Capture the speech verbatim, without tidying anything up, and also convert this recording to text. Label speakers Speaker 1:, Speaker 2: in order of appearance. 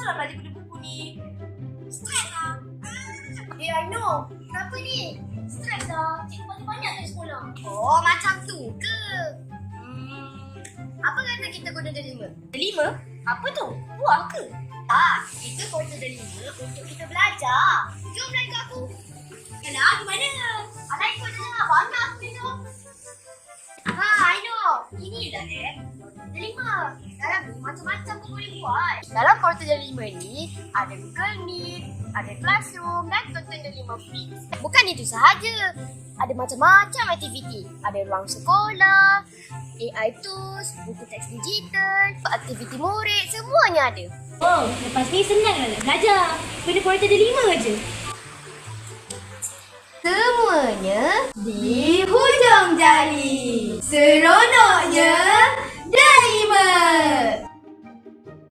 Speaker 1: lah belajar guna buku ni. Stres lah.
Speaker 2: Eh, I know. Kenapa ni?
Speaker 1: Stres lah. Cikgu banyak-banyak dari sekolah.
Speaker 2: Oh, macam tu ke? Hmm, apa kata kita guna delima?
Speaker 1: Delima? Apa tu? Buah ke?
Speaker 2: Ah, itu portal delima untuk kita belajar. Jom belajar kat aku.
Speaker 1: Yalah, di mana?
Speaker 2: Alai kau dengar banyak aku minum. Ha, I know. Ini dah eh. Delima. Dalam ni macam-macam kau boleh buat. Dalam portal delima ni ada Google Meet, ada Classroom dan tonton delima Fix. Bukan itu sahaja. Ada macam-macam aktiviti. Ada ruang sekolah, A I tools, buku teks digital, aktiviti murid, semuanya ada.
Speaker 1: Oh, lepas ni senang lah nak belajar. Guna portal delima je.
Speaker 2: Semuanya di hujung jari. Seronoknya delima.